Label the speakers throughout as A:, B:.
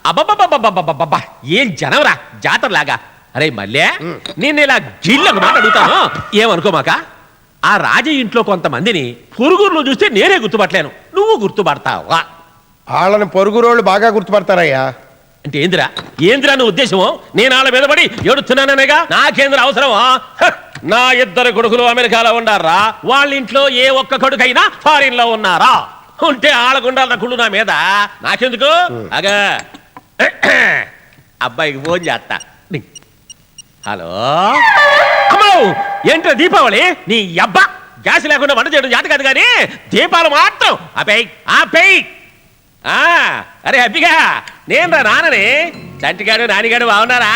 A: అబ్బబ్బబ్బబ్బబ్బబ్బబ్బా ఏం జనవరా జాతరలాగా. అరే మళ్ళీ నేను ఇలా గిళ్ళకు మాట అడుగుతాను, ఏమనుకోమాక. ఆ రాజ ఇంట్లో కొంతమందిని పొరుగురులో చూస్తే నేనే గుర్తుపట్టలేను, నువ్వు గుర్తుపడతావా?
B: వాళ్ళని పొరుగురోళ్ళు బాగా గుర్తుపడతారయ్యా.
A: అంటే ఏంద్రా నువ్వు ఉద్దేశము? నేను వాళ్ళ మీద పడి ఏడుతున్నాననేగా. నాకేంద్ర అవసరమా? నా 2 కొడుకులు అమెరికాలో ఉన్నారా, వాళ్ళ ఇంట్లో ఏ ఒక్క కొడుకైనా ఫారిన్ లో ఉన్నారా? ఉంటే ఆళ్ళకుండాల కుళ్ళు నా మీద, నాకెందుకు? అగా అబ్బాయికి ఫోన్ చేస్తా. హలో అమ్మో, ఏంట్రా దీపావళి నీ అబ్బా, గ్యాస్ లేకుండా వంట చేయడం జాత కాదు కానీ దీపాలు మాత్రం ఆపేయ్. అరే అబ్బిగా, నేను రా నాన్నని. చంటిగాడు నానిగాడు బాగున్నారా?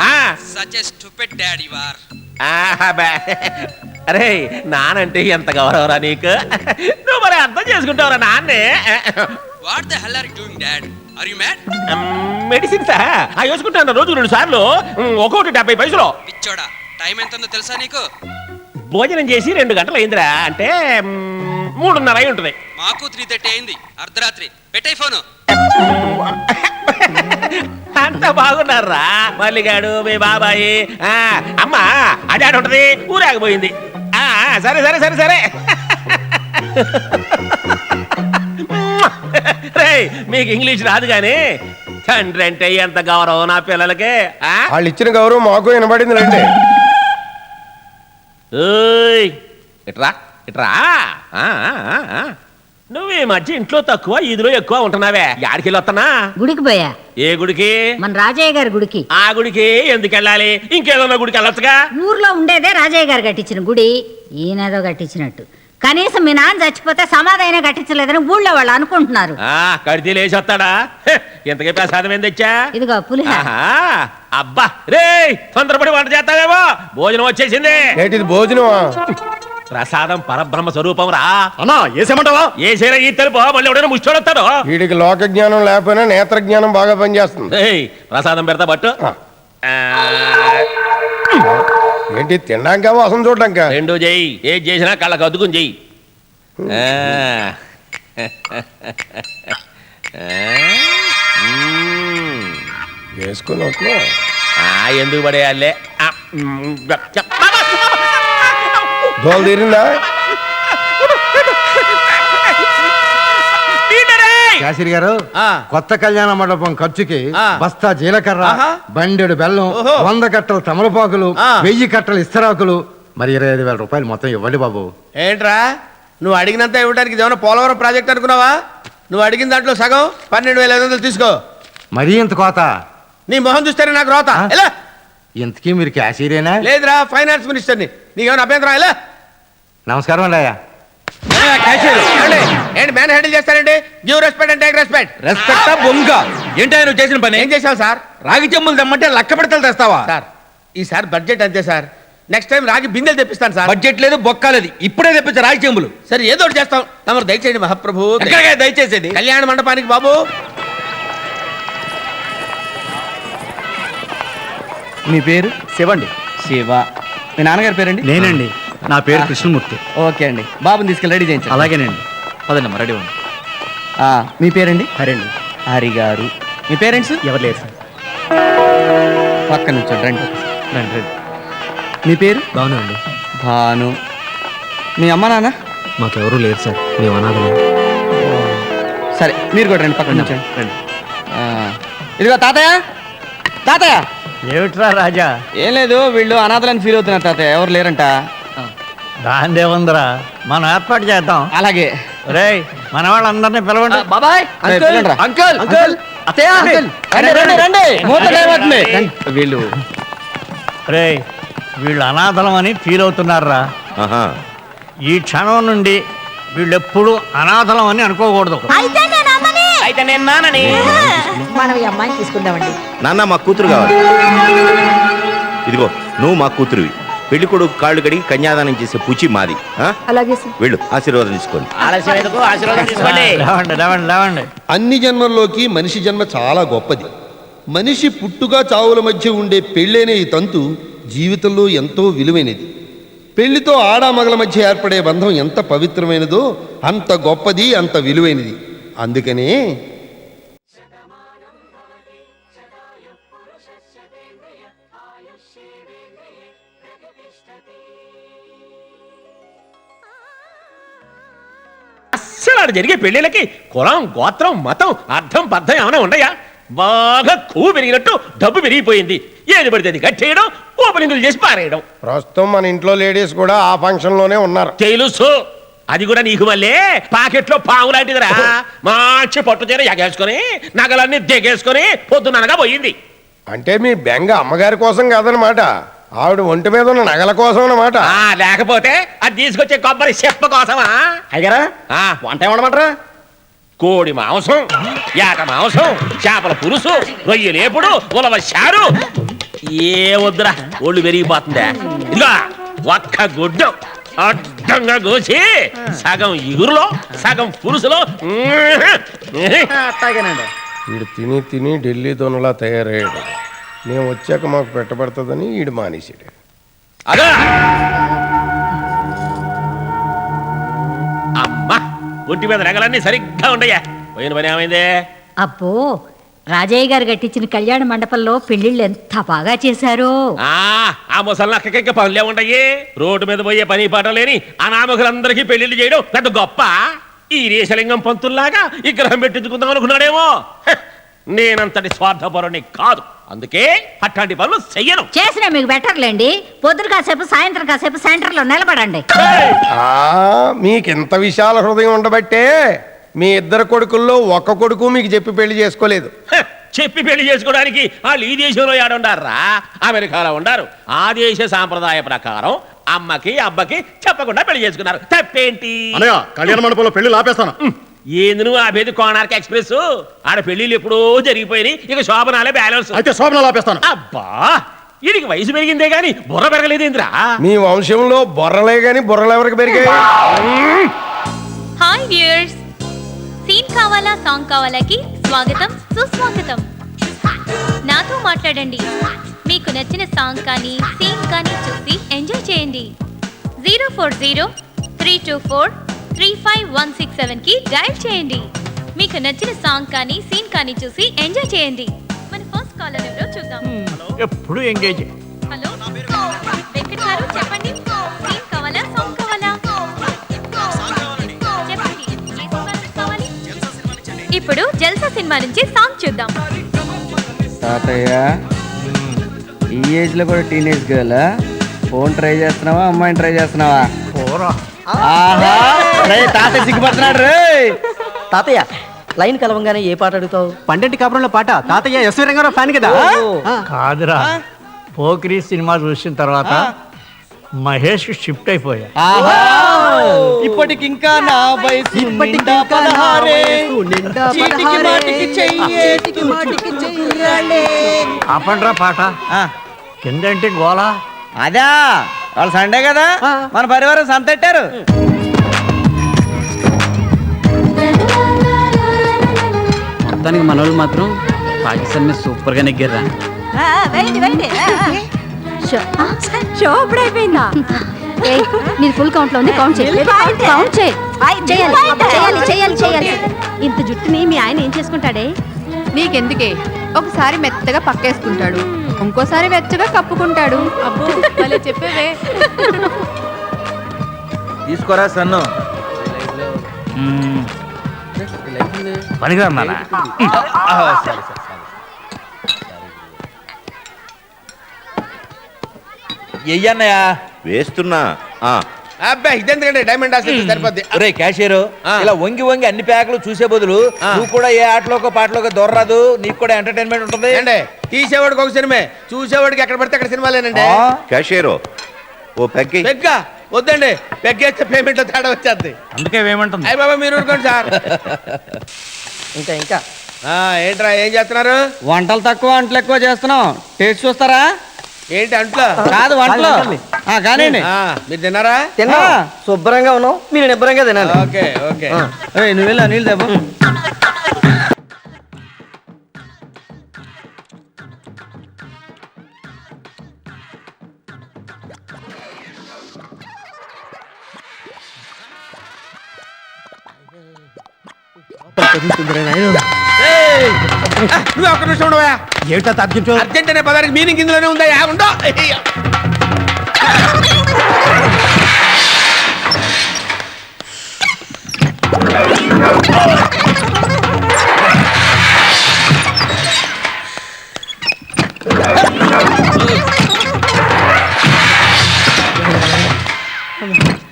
A: అరే నానంటే ఎంత గౌరవరా నీకు, నువ్వు మరి అర్థం చేసుకుంటావురా నాన్నే. మెడిసిన్స్ వేసుకుంటాను రోజు 2 సార్లు, ఒక్కొక్కటి 70 పైసలు.
C: టైం ఎంతో తెలుసా నీకు?
A: భోజనం చేసి 2 గంటలు అయిందిరా, అంటే 3:30 అయి ఉంటుంది.
C: మాకు 3:30 అయింది, అర్ధరాత్రి. పెట్టే ఫోను.
A: అంత బాగున్నారా మల్లిగాడు, మీ బాబాయి, అమ్మా అదే ఉంటది, ఊరాగిపోయింది. సరే సరే సరే సరే. రే మీకు ఇంగ్లీష్ రాదు గాని తండ్రి అంటే ఎంత గౌరవం నా పిల్లలకి.
B: వాళ్ళు ఇచ్చిన గౌరవం మాకు వినబడింది రండి.
A: ఇట్రా ఇట్రా. నువ్వు ఈ మధ్య ఇంట్లో తక్కువ ఇదిలో ఎక్కువ ఉంటున్నావే, యాడికి వస్తున్నా?
D: గుడికి పోయా.
A: ఏ గుడికి?
D: మన రాజయ్య గారి గుడికి.
A: ఆ గుడికి ఎందుకు వెళ్ళాలి? ఇంకేదన్నా గుడికి వెళ్ళొచ్చుగా.
D: ఊర్లో ఉండేదే రాజయ్య గారు కట్టించిన గుడి, ఈయనేదో కట్టించినట్టు. కనీసం మీ నాన్న చచ్చిపోతే సమాధైనా కట్టించలేదని ఊళ్ళో వాళ్ళు అనుకుంటున్నారు.
A: కడితే లేచొస్తాడా? ఎంతకీ ప్రసాదం ఏం తెచ్చా?
D: ఇదిగో పులిహోర.
A: అబ్బా రే, తొందరపడి వంట చేస్తావేమో, భోజనం వచ్చేసింది.
B: ఏంటిది భోజనమా?
A: ప్రసాదం పరబ్రహ్మ స్వరూపం రా.
B: అన్నా ఏసేమంటావా?
A: ఏసేనా ఈ తెలుపు, మళ్ళీ ఎవడైనా ముష్టోడొస్తాడు.
B: వీడికి లోక జ్ఞానం లేకపోయినా నేత్ర జ్ఞానం బాగా పనిచేస్తుంది.
A: ప్రసాదం పెడతా పట్టు.
B: ఏంటి తినడాక వాసన చూడడాక?
A: 2 చెయ్యి, ఏది చేసినా కళ్ళకు అద్దుకుని చెయ్యి.
B: వేసుకుని
A: ఎందుకు పడేయాలే?
B: దోలు తీరిందా?
E: శాస్త్రి గారు, కొత్త కళ్యాణ మండపం ఖర్చుకి బస్తా జీలకర్ర, బండెడు బెల్లం, 100 కట్టలు తమలపాకులు, 1000 కట్టలు ఇస్తరాకులు, మరి 25,000 రూపాయలు మొత్తం ఇవ్వండి బాబు.
F: ఏంట్రా నువ్వు అడిగినంత ఇవ్వడానికి ఏమైనా పోలవరం ప్రాజెక్ట్ అనుకున్నావా? నువ్వు అడిగిన దాంట్లో సగం 12,500 తీసుకో.
E: మరీ ఇంత కోత?
F: నీ మొహం చూస్తేనే నాకు రోత. ఎలా?
E: ఇంతకీ మీరు క్యాషియరేనా?
F: లేదురా, ఫైనాన్స్ మినిస్టర్ని. నీకేమైనా అభ్యంతరం? ఎలా?
E: నమస్కారం అండి అయ్యా.
F: ఏంటి మ్యాన్ హ్యాండిల్ చేస్తారండి? Give respect and take respect.
G: రెస్పెక్టా బొంగ? ఏంటి నువ్వు చేసిన పని?
F: ఏం చేసావు సార్?
G: రాగి చెంబులు తెమ్మంటే లక్క పెడతలు తెస్తావా
F: సార్? ఈసారి బడ్జెట్ అంతే సార్, నెక్స్ట్ టైం రాగి బిందెలు తెప్పిస్తాను సార్.
G: బడ్జెట్ లేదు, బొక్క లేదు, ఇప్పుడే తెప్పించా రాగి చెంబులు.
F: సరే ఏదో ఒకటి చేస్తాం, తమరు దయచేయండి మహాప్రభు.
G: దయచేసేది
F: కళ్యాణ మండపానికి బాబు.
H: మీ పేరు?
G: శివండి.
H: శివ. మీ నాన్నగారి పేరండి?
E: నేనండి, నా పేరు కృష్ణమూర్తి.
H: ఓకే అండి, బాబుని తీసుకెళ్ళి రెడీ చేయించండి.
E: అలాగేనండి.
H: పదండి, రెడీ ఉంది. మీ పేరండి?
E: హరండి.
H: హరి గారు. మీ పేరెంట్స్?
E: ఎవరు లేరు సార్.
H: పక్క నుంచి రండి రండి. మీ పేరు?
E: భాను అండి.
H: భాను. మీ అమ్మ నాన్న?
E: మాకెవరూ లేరు సార్, మేము అనాథలం.
H: సరే మీరు కూడా రండి, పక్కన నుంచి రండి. ఇదిగో తాతయ్య. తాతయ్య.
E: ఏమిట్రా రాజా?
H: ఏం లేదు, వీళ్ళు అనాథలని ఫీల్ అవుతున్నారు తాతయ్య, ఎవరు లేరంట.
E: దాందేముందరా, మనం ఏర్పాటు చేద్దాం.
H: అలాగే.
E: రేయ్, మన వాళ్ళందరినీ పిలవండి.
H: బాబాయ్, అంకుల్, అంకుల్, అత్తయ్య, రండి. వీళ్ళు
E: రేయ్, వీళ్ళు అనాథలం అని ఫీల్ అవుతున్నారా? ఈ క్షణం నుండి వీళ్ళెప్పుడు అనాథలం అని అనుకోకూడదు.
A: అయితే నేను నాన్నని.
D: మనం ఈ అమ్మాయిని తీసుకుందామండి.
I: నాన్న మా కూతురు కావాలి. ఇదిగో నువ్వు మా కూతురువి. పెళ్లి కొడుకు కాళ్ళు కడిగి కన్యాదానం చేసే పుచి మాది.
D: అలాగే సార్.
I: వెళ్ళు, ఆశీర్వాదం తీసుకోండి.
A: ఆశీర్వాదం తీసుకోండి.
E: లేవండి.
J: అన్ని జన్మల్లోకి మనిషి జన్మ చాలా గొప్పది. మనిషి పుట్టుక చావుల మధ్య ఉండే పెళ్ళైన ఈ తంతు జీవితంలో ఎంతో విలువైనది. పెళ్లితో ఆడామగల మధ్య ఏర్పడే బంధం ఎంత పవిత్రమైనదో అంత గొప్పది, అంత విలువైనది. అందుకనే
A: ఆడ జరిగే పెళ్లిళ్ళకి కులం గోత్రం మతం అర్థం పర్థం ఏమైనా ఉండయా? బాగా కొవ్వు పెరిగినట్టు డబ్బు పెరిగిపోయింది. ఏది పడితే అది కట్టేయడం, ఓపెనింగ్లు చేసి పారేయడం.
B: ప్రస్తుతం మన ఇంట్లో లేడీస్ కూడా ఆ ఫంక్షన్ లోనే ఉన్నారు.
A: తెలుసు, అది కూడా నీకు మళ్ళీ పాకెట్లో పాము లాంటిదిరా. మంచి పట్టు చీర ఎగేసుకొని నగలన్నీ దిగేసుకొని పొద్దుననగా పోయింది.
B: అంటే మీ బెంగ అమ్మగారి కోసం కాదనమాట, ఆవిడ ఒంటి మీద ఉన్న నగల కోసం అన్నమాట.
A: లేకపోతే అది తీసుకొచ్చే కొబ్బరి చెప్ప కోసమా?
H: అయ్యారా వంట ఏమన్నమాటరా?
A: కోడి మాంసం, ఏట మాంసం, చేపల పులుసు, రొయ్యలేపుడు, ఉలవ చారు. ఏ వద్దురా, ఒళ్ళు పెరిగిపోతుందా. ఇదిగా ఒక్క గుడ్డు అడ్డంగా కోసి సగం ఇగురులో సగం పులుసులో.
H: అట్టాగేనండి.
B: వీడు తిని తిని ఢిల్లీ దొనలా తయారయ్యాడు. మేము వచ్చాక మాకు పెట్టబడుతుందని వీడు మానేసాడు.
A: అదా అమ్మా, ఒంటి మీద నగలన్నీ సరిగ్గా ఉండయా. పోయిన పని ఏమైంది?
D: అబ్బో, రాజయ్య గారు కట్టించిన కళ్యాణ మండపంలో పెళ్లిళ్ళు ఎంత బాగా చేశారో.
A: ఆ ముసలక్కకి పనులే ఉండయి. రోడ్డు మీద పోయే పని పాట లేని అనామకులందరికీ పెళ్లిళ్ళు చేయడం పెద్ద గొప్ప. ఈ రేషలింగం పంతుల్లాగా విగ్రహం పెట్టించుకుందాం అనుకున్నాడేమో. నేనంతటి స్వార్థపరుని కాదు, అందుకే అట్లాంటి పనులు చెయ్యను.
D: చేసినా మీకు బెటర్లేండి. పొద్దున కాసేపు సాయంత్రం కాసేపు సెంటర్లో నిలబడండి.
B: మీకింత విశాల హృదయం ఉండబట్టే మీ ఇద్దరు కొడుకుల్లో ఒక్క కొడుకు మీకు చెప్పి పెళ్లి చేసుకోలేదు.
A: చెప్పి పెళ్లి చేసుకోవడానికి వాళ్ళు ఈ దేశంలో ఏడుండారా? అమెరికాలో ఉండారు. ఆ దేశ సాంప్రదాయ ప్రకారం అమ్మకి అబ్బకి చెప్పకుండా పెళ్లి చేసుకున్నారు. తప్పేంటి?
E: కళ్యాణ మండపంలో పెళ్లి ఆపేస్తాను.
A: ఏంది నువ్వు ఆపేది? కోనార్క్ ఎక్స్ప్రెస్ ఆడ పెళ్లిళ్ళు ఎప్పుడో జరిగిపోయినాయి. ఇక శోభనాలే బ్యాలెన్స్.
E: అయితే శోభనాలు ఆపేస్తాను.
A: అబ్బా, వీడికి వయసు పెరిగిందే గాని బుర్ర పెరగలేదేంద్రా?
B: మీ వంశంలో బొర్రలే గాని బుర్రలు ఎవరికి పెరిగాయి?
K: హాయ్ వ్యూయర్స్, సీన్ కావాలా సాంగ్ కావాలాకి స్వాగతం సుస్వాగతం. నాతో మాట్లాడండి. మీకు నచ్చిన సాంగ్ కానీ సీన్ కానీ చూసి ఎంజాయ్ చేయండి. 040-324-35167కి డయల్ చేయండి. మీకు నచ్చిన సాంగ్ కానీ సీన్ కానీ చూసి ఎంజాయ్ చేయండి. మన ఫస్ట్ కాలర్ ఎవరో చూద్దాం.
G: ఎప్పుడు ఎంగేజ్.
K: హలో వెంకట్ గారు, చెప్పండి. సీన్ కావాలా సాంగ్ కావాలా? చెప్పండి, ఏ సినిమా నుంచి కావాలి? ఇప్పుడు జల్సా సినిమా నుంచి సాంగ్ చూద్దాం.
H: తాతయ్య, ఈ ఏజ్ లో కూడా టీనేజ్ గర్ల్ ఫోన్ ట్రై చేస్తున్నావా, అమ్మాయిని ట్రై చేస్తున్నావా? ఆహా, తాతయ్య సిగ్గుపడుతున్నాడు రే.
L: తాతయ్య, లైన్ కలవంగానే ఏ పాట అడుగుతావు?
F: పండంటి కాపురంలో పాట. తాతయ్య ఎస్వి రంగారావు ఫ్యాన్ కదా.
L: కాదురా, పోకిరి సినిమా చూసిన తర్వాత మహేష్ షిఫ్ట్ అయిపోయా.
H: ఇప్పటికింకా నా వయసు నిండా 16. చీటికి మాటికి చెయ్యాలి.
L: ఆపండ్రా పాట. కిందంటే గోలా.
H: అదా వాళ్ళు సండే కదా, మన పరివారం సంతెట్టారు.
F: మొత్తానికి మనోళ్ళు మాత్రం పాకిస్తాన్ మీద సూపర్ గా నెగ్గారా.
D: షో ఇప్పుడు అయిపోయిందా?
K: నేను ఫుల్ కౌంట్ లో ఉంది. కౌంట్ చేయాలి.
D: ఇంత జుట్టుని మీ ఆయన ఏం చేసుకుంటాడే?
K: నీకెందుకే, ఒకసారి మెత్తగా పక్కేసుకుంటాడు, ఇంకోసారి వెచ్చగా కప్పుకుంటాడు. అబ్బో భలే చెప్పేవే.
G: తీసుకోరా సన్ను.
L: పనికిరా నాన్న.
G: ఎయ్యన్నయ్యా
I: వేస్తున్నా.
F: అబ్బాయి ఇదెందుకంటే డైమండ్ హాస్పిటల్ సరిపోద్ది.
G: రే క్యాషియర్, ఇలా వంగి వంగి అన్ని ప్యాకులు చూసే బదులు నువ్వు కూడా ఏ ఆటలోకో పాటలోకో దొరరాదు, నీకు కూడా ఎంటర్టైన్మెంట్ ఉంటుంది.
F: ఏంటే, తీసేవాడికి ఒక సినిమా, చూసేవాడికి ఎక్కడ పడితే అక్కడ సినిమాలేనండి.
I: క్యాషియరో ఓ పెగ్గి.
F: పెగ్గా వద్దండి, పెగ్గేస్తే పేమెంట్ లో తేడా వచ్చేది.
G: అందుకే ఏమంటుంది?
F: అయ్య బాబా మీరు ఊరుకోండి సార్.
L: ఇంకా
F: ఏంట్రా ఏం చేస్తున్నారు?
H: వంటలు తక్కువ వంటలు ఎక్కువ చేస్తున్నాం. టేస్ట్ చూస్తారా?
F: ఏంటి అంట్లో?
H: కాదు వంటలు. కానివ్వండి.
F: మీరు తిన్నారా?
L: తిన్నా, శుభ్రంగా ఉన్నావు, మీరు నిబ్బరంగా తినాలి.
F: Okay okay.
H: నువ్వు వెళ్ళా నీళ్ళు దెబ్బ.
F: నువ్వు ఒక్క నిమిషం ఉండవా?
L: ఏమిటా తగ్గించు?
F: అర్జెంట్ అనే పదానికి మీనింగ్ ఇందులోనే ఉందా? ఉండో.